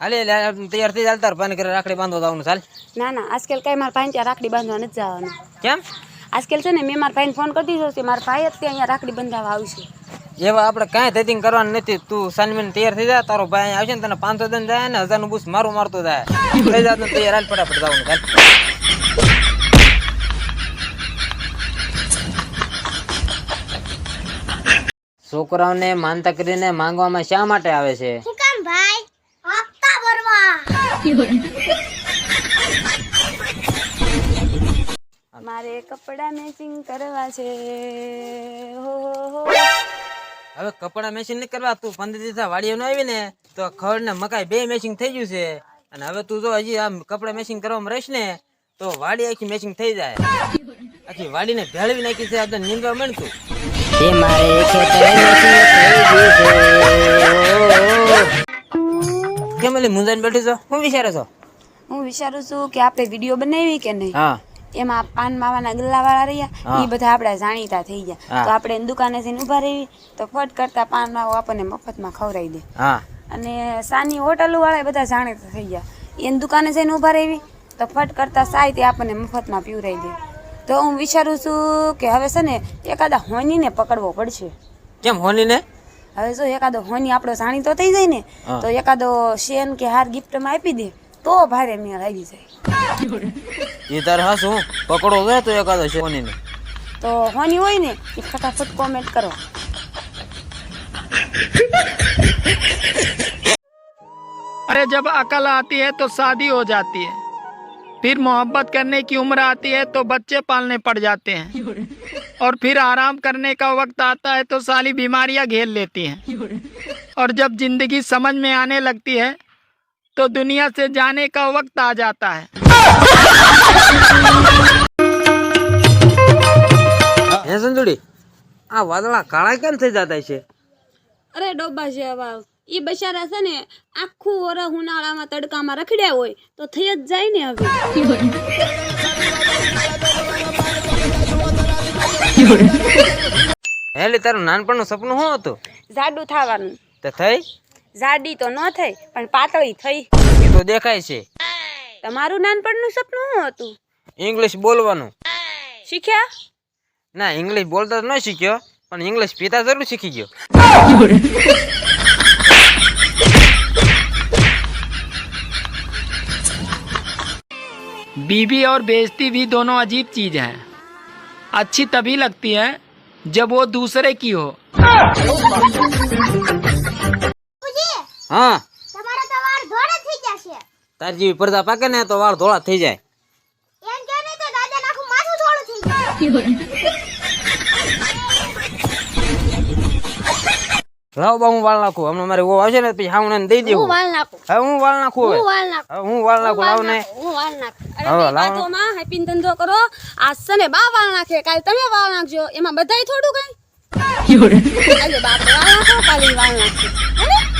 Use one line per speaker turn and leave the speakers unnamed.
હાલે તૈયાર થઈ ચાલતા પાણી કરે રાખડી બાંધવા જવાનું ચાલ.
ના ના આજકાલ કઈ મારા ભાઈ ત્યાં રાખડી બાંધવા નથી જવાનું.
કેમ?
આજકાલ છે ને મેં મારા ભાઈને ફોન કરી દીધો છે, મારા ભાઈ જ ત્યાં અહીંયા રાખડી બંધાવવા આવશે.
એવા આપણે કાંઈ ધતિંગ કરવાનું નથી. તું સાનવીને તૈયાર થઈ જા, તારો ભાઈ આવશે ને તને 500 દન જાય ને 1000 નું બૂસ મારું મારતો જાય. થઈ જાત ને તૈયાર હાલ ફટાફટ જવાનું ચાલ. છોકરાઓને માનતા કરીને માંગવામાં શા માટે આવે છે?
શું કામ ભાઈ? હપ્તા ભરવા.
મારે કપડા મેચિંગ કરવા છે. હો હો.
હવે કપડા મેચિંગ નહીં કરવા, તું 15 દિવસ વાડીએ નો આવી ને તો ખડ ને મકાઈ બે મેચિંગ થઈ ગયું છે. અને હવે તું જો હજી આ કપડા મેચિંગ કરવામાં રહીશ ને તો વાડી આખી મેચિંગ થઈ જાય. આખી વાડીને ભેળવી નાખી છે. આપણે નીંદવા મળતું એ મારે કેમ એટલે મુંજાઈને બેઠી છો? શું વિચારો છો?
હું વિચારું છું કે આપણે વિડીયો બનાવી કે નહીં.
હા,
એમાં પાન માવાના ગલ્લા વાળા રહ્યા એ બધા આપડા જાણીતા થઈ ગયા તો આપણે દુકાને જઈને ઉભા રહી તો ફટ કરતા પાન માવો આપણને મફતમાં ખવડાવી દે.
હા,
અને સાની હોટલો વાળા બધા જાણીતા થઈ ગયા એની દુકાને જઈને ઉભા રહી તો ફટ કરતા સાય તે આપણને મફતમાં પીવરાઈ દે. તો હું વિચારું છું કે હવે છે ને એકાદા હોનીને પકડવો પડશે.
કેમ હોની ને?
હવે જો એકાદો હોની આપણો જાણીતો થઈ જાય ને તો એકાદો શેન કે હાર ગિફ્ટમાં આપી દે તો ભારે મેળ આવી જાય.
એ તારે હા શું પકડો જાય તો એકાદો છે હોની ને
તો હોની હોય ને એ ફટાફટ કોમેન્ટ કરો.
अरे जब अकल आती है तो शादी हो जाती है, फिर मोहब्बत करने की उम्र आती है तो बच्चे पालने पड़ जाते हैं, और फिर आराम करने का वक्त आता है तो सारी बीमारियां घेर लेती हैं, और जब जिंदगी समझ में आने लगती है तो दुनिया से जाने का वक्त आ जाता है.
હે સંજુડી, આ વાદળા કાળા કેમ થઈ જતા છે?
અરે ડોબા જેવા ઈ બચારા છે ને આખું વરસ ઉનાળામાં તડકામાં રખડ્યા હોય તો થઈ જ જાય ને. હવે
હેલી તારું નાનપણનું સપનું શું હતું?
જાડું થવાનું.
તે થઈ?
જાડી તો ન થઈ પણ પાતળી થઈ.
એ તો દેખાય છે.
તમારું નાનપણનું સપનું શું હતું?
ઇંગ્લિશ બોલવાનું.
શીખ્યા?
ના, ઇંગ્લિશ બોલતા તો ન શીખ્યો પણ ઇંગ્લિશ પીતા જરૂર શીખી ગયો.
बीवी और बेइज्जती भी दोनों अजीब चीज है. अच्छी तभी लगती है जब वो दूसरे की हो.
હા,
તમારા તો વાળ ધોળા થઈ જશે.
તાર જેવી પડદા પાકે ને તો વાળ ધોળા થઈ જાય.
એમ કે નહીં તો દાદા નાખું માથું ધોળું થઈ જાય.
લાવ બા, હું વાળ નાખું. હમણાં મારે ઓ આવશે ને પછી હાઉને દઈ દેવું.
હું વાળ નાખું.
હવે હું વાળ નાખું. હવે
હું વાળ નાખું.
હવે હું વાળ નાખું. લાવ ને.
હું વાળ નાખું.
અરે બે બાજુમાં હેપીન ધંધો કરો. આજ છે ને બા વાળ નાખે, કાલ તમે વાળ નાખજો. એમાં બધાય થોડું કઈ. આજે બાપ વાળ નાખો, કાલે વાળ નાખજો.